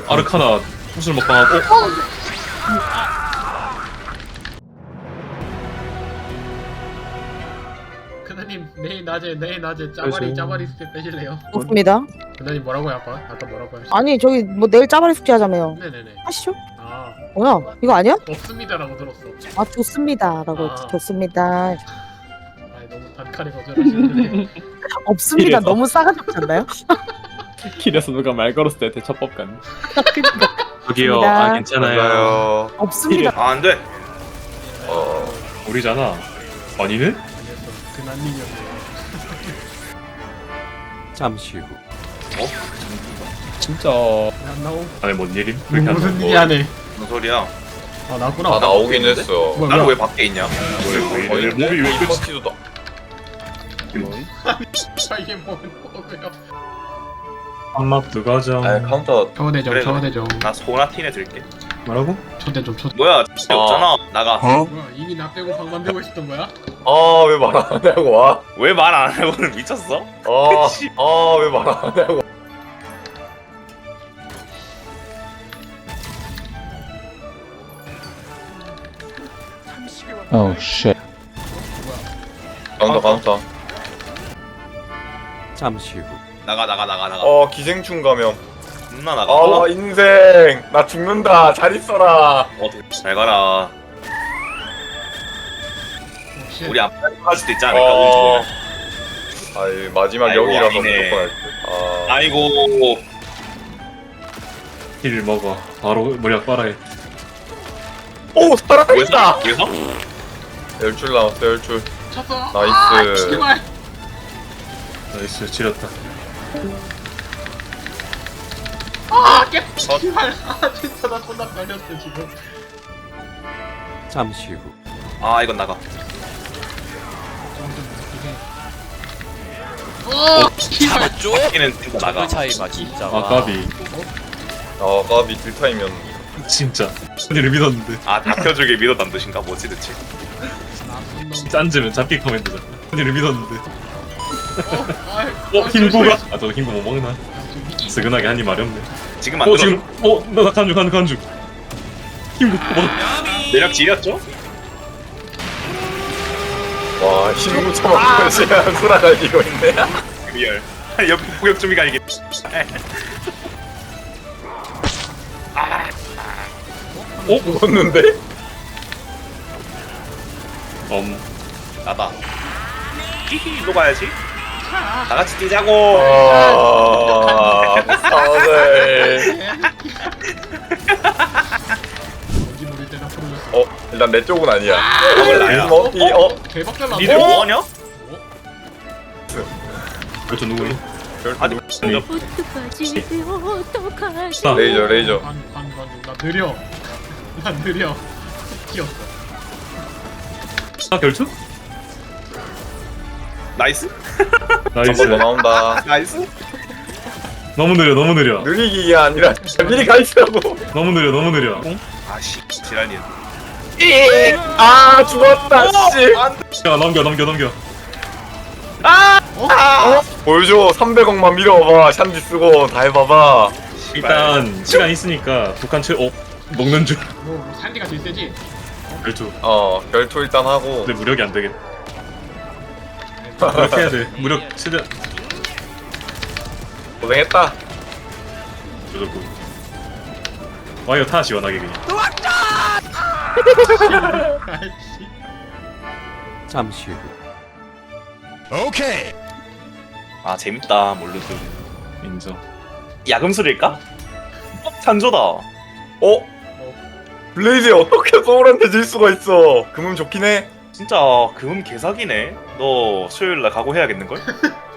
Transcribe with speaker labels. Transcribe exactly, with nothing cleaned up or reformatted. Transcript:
Speaker 1: 아르카나 구슬 먹방하고. 어?
Speaker 2: 그나님 내일 낮에 내일 낮에 짜바리
Speaker 1: 그래서-
Speaker 2: 짜바리 스텝 빼실래요?
Speaker 3: 없습니다.
Speaker 2: 그나님 뭐라고요 아까? 아까 뭐라고 하셨?
Speaker 3: 아니 저기 뭐 내일 짜바리 숙제 하자며요.
Speaker 2: 네네네.
Speaker 3: 하시죠?
Speaker 2: 아
Speaker 3: 뭐야? 이거 아니야?
Speaker 2: 없습니다라고 들었어.
Speaker 3: 아 좋습니다라고
Speaker 2: 아.
Speaker 3: 좋습니다.
Speaker 2: 아 너무 단칼에 거절하시는데.
Speaker 3: 없습니다.
Speaker 1: 이래서.
Speaker 3: 너무 싸가지 없지 않나요?
Speaker 1: 길에서 누가 말 걸었을 때 대처법 같네.
Speaker 3: 그러니까
Speaker 1: 저기요.
Speaker 3: 맞습니다.
Speaker 1: 아 괜찮아요.
Speaker 4: 맞아요.
Speaker 3: 없습니다.
Speaker 4: 아, 안 돼. 어.
Speaker 1: 우리잖아. 아니네?
Speaker 2: 아니었어. 그나님이었네요.
Speaker 5: 잠시 후.
Speaker 1: 진짜.
Speaker 2: 안 나오?
Speaker 1: 안에 뭔 일임? 그렇게
Speaker 2: 무슨
Speaker 1: 한다고.
Speaker 2: 일이 하네.
Speaker 4: 무슨 소리야?
Speaker 2: 아 나구나.
Speaker 4: 아, 나오긴 했어.
Speaker 2: 뭐야,
Speaker 4: 나는
Speaker 2: 뭐야?
Speaker 4: 왜 밖에 있냐?
Speaker 1: 왜, 왜,
Speaker 4: 어,
Speaker 1: 왜, 몸이 왜 이렇게
Speaker 4: 파티도 나.
Speaker 2: 아 이게 뭐 뭐고요?
Speaker 1: 한마트 가자.
Speaker 4: 아, 카운터.
Speaker 2: 초대정
Speaker 4: 그래, 그래.
Speaker 2: 초대정.
Speaker 4: 나 소나틴에 들게.
Speaker 1: 뭐라고?
Speaker 2: 초대정 초대.
Speaker 4: 뭐야? 없잖아. 나가.
Speaker 2: 뭐야 이미 나 빼고 방 만들고 있었던 거야?
Speaker 6: 아 왜 말 안 하냐고 와.
Speaker 4: 왜 말 안 하고는 미쳤어?
Speaker 6: 아아왜 말 안 하냐고.
Speaker 7: Oh shit.
Speaker 6: 카운터 카운터.
Speaker 5: 잠시 후.
Speaker 4: 나가 나가 나가 나가.
Speaker 6: 어 기생충 감염.
Speaker 4: 존나 나가.
Speaker 6: 아
Speaker 4: 어?
Speaker 6: 인생 나 죽는다. 잘 있어라.
Speaker 4: 어, 잘 가라.
Speaker 2: 혹시
Speaker 4: 우리 앞에 할 수도 있지 않을까?
Speaker 6: 어.
Speaker 4: 운
Speaker 6: 아이 마지막
Speaker 4: 아이고,
Speaker 6: 여기라서
Speaker 4: 아니네.
Speaker 6: 무조건 할 듯.
Speaker 4: 좋으면.
Speaker 6: 아
Speaker 4: 아이고.
Speaker 1: 힐 먹어. 바로 무력 빨아해.
Speaker 6: 오 살아있다.
Speaker 4: 왜서? 왜서?
Speaker 6: 열줄 남았어 열줄.
Speaker 2: 쳤어.
Speaker 6: 나이스.
Speaker 2: 아, 제발.
Speaker 1: 나이스 지렸다.
Speaker 2: 아 깨. 제발. 아 진짜 나 존나 걸렸어 지금.
Speaker 5: 잠시 후.
Speaker 4: 아, 이건 나가.
Speaker 2: 어. 제발.
Speaker 4: 바퀴는 진짜 나가.
Speaker 5: 차이가 진짜.
Speaker 1: 아 까비.
Speaker 6: 아 까비 딜타임이었는데.
Speaker 1: 진짜. 언니를 믿었는데.
Speaker 4: 아, 다켜주길 믿었단 뜻인가? 뭐지 대체?
Speaker 2: 나쁜 놈.
Speaker 1: 짠지면 잡기 커맨드잖아. 언니를 믿었는데.
Speaker 2: 어. 아이,
Speaker 1: 어
Speaker 2: 아,
Speaker 1: 힘구가?
Speaker 2: 조심해.
Speaker 1: 아 저 힘구 못 먹나?
Speaker 2: 저기
Speaker 1: 스근하게 한입 마렵네.
Speaker 4: 지금
Speaker 1: 어
Speaker 4: 만들어.
Speaker 1: 지금 어나 간주 간주 간주. 힘구 먹.
Speaker 4: 내력 지렸죠?
Speaker 6: 와 힘못 참아 그냥 돌아다니고 있네.
Speaker 4: 리얼. 옆 포격 준비가 아니겠.
Speaker 1: 어?
Speaker 6: 죽었는데?
Speaker 1: 엄.
Speaker 4: 나다. 히히, 또 가야지. 다 같이 뛰자고.
Speaker 6: 아 사네.
Speaker 2: 뭔지 모를 때나 풀어줬어.
Speaker 6: 어 일단 내 쪽은 아니야.
Speaker 4: 밥을 나야.
Speaker 6: 어, 이, 어,
Speaker 2: 대박 잘
Speaker 4: 니들
Speaker 2: 나왔어.
Speaker 4: 뭐하냐?
Speaker 1: 그렇죠 누구니?
Speaker 4: 아니,
Speaker 1: 아니.
Speaker 8: 어떡하지 어떡하지
Speaker 1: 아.
Speaker 6: 레이저 레이저.
Speaker 2: 관관관나 느려. 나 느려. 뛰었어.
Speaker 1: 아 결투?
Speaker 4: 나이스?
Speaker 1: 나이스.
Speaker 6: 한번 더 나온다.
Speaker 4: 나이스?
Speaker 1: 너무 느려 너무 느려.
Speaker 6: 느리기가 아니라 미리 가 있으라고.
Speaker 1: 너무 느려 너무 느려.
Speaker 4: 아씨, 지랄이야.
Speaker 6: 아 죽었다 씨.
Speaker 1: 야 넘겨 넘겨 넘겨.
Speaker 6: 보여줘 삼백억만 밀어봐. 샨디 쓰고 다 해봐봐.
Speaker 1: 일단 시간 있으니까 북한 최. 어 먹는 줄.
Speaker 2: 뭐 산디가 제일 세지.
Speaker 1: 결투.
Speaker 6: 어 결투 일단 하고.
Speaker 1: 근데 무력이 안 되겠. 무력 해야 돼. 무력 최대.
Speaker 6: 고생했다.
Speaker 1: 무조건. 와이어 타 시원하게 그냥.
Speaker 2: 아이씨.
Speaker 5: 잠시 후.
Speaker 4: 아, 재밌다, 몰르드.
Speaker 1: 인정.
Speaker 4: 야금술일까? 어, 찬조다.
Speaker 6: 어? 블레이즈에 어떻게 소울한테 질 수가 있어? 금은 좋긴 해.
Speaker 4: 진짜 금음 개사기네. 너 수요일날 각오해야겠는걸?